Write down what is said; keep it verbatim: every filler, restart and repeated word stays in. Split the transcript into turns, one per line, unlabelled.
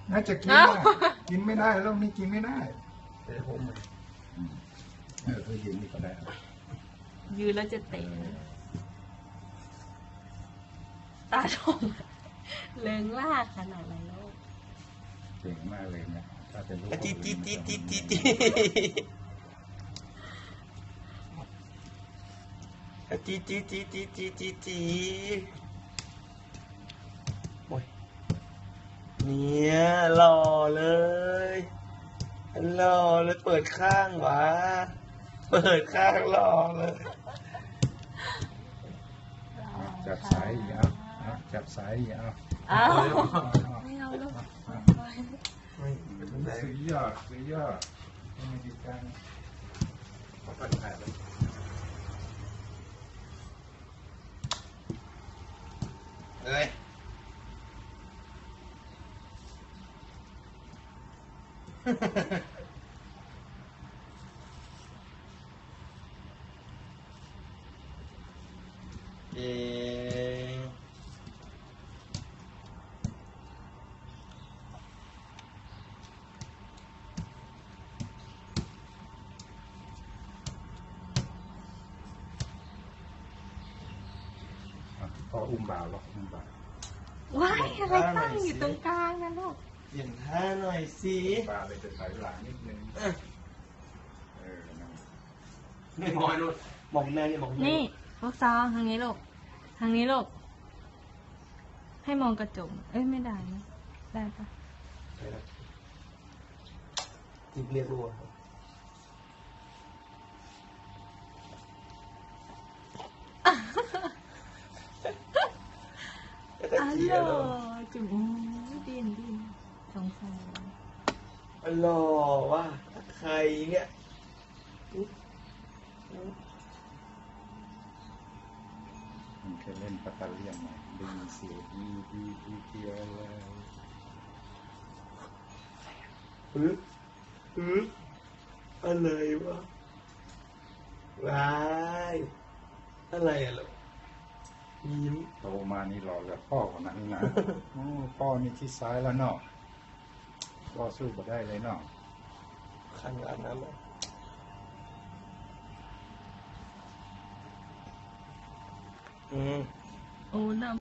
น่าจะกินได้กินไม่ได้โรคนี้กินไม่ได้เออผมเออคือยืนนี่ก็ได้
ยืนแล้วจะเตะตาชมเลิงลากขนาดไหนลูก
เก่งมากเลยนะถ้าเป็นลูก
จีจีจีจีจีจีจีจีจีจีจีจีจีโอ้ยเนี่ยหล่อเลยหล่อเลยเปิดข้างวะเปิดข้างหล่อเลย
จับสายอีกเอาจับสายอีกเอา
อ้าวไม่เอาลูก
สุดยอดสุดยอดไม่ดีจังขอปัดผ่านเลย
เอ้ยเอง
พออุ้มบ่าวหรอกอุ้มบ่าว
ว้ายอะไรตั้งอยู่ตรงกลางนะลูก
เปลี่ยนท่าหน่อยสิ
บ่าวเลยจะถอยหลังนิดนึงเออ
ไม่มองนู่นมองแม่นี่มอง
นี่ลูกซองทางนี้ลูกทางนี้ลูกให้มองกระจกเอ้ยไม่ได้นะได้ปะ
จิบเรียกรัว
อ๋อจุ๋มดินดินสงสาร
หล่อว่ะใครเนี่ย
มันเคยเล่นปัตตาเลียนไหมดึงเสียดีดีดีเดียวเลย
ฮึฮึอะไรวะว้ายอะไรอะลูกยิ้ม
โตมานี่หล่อกับพ่อคนนั้นนะพ่อนี่ที่ซ้ายแล้วเนาะพ่อสู้มาได้เลยเนาะ
ขนาดนั้นเลยอืม
โอ้น้ำ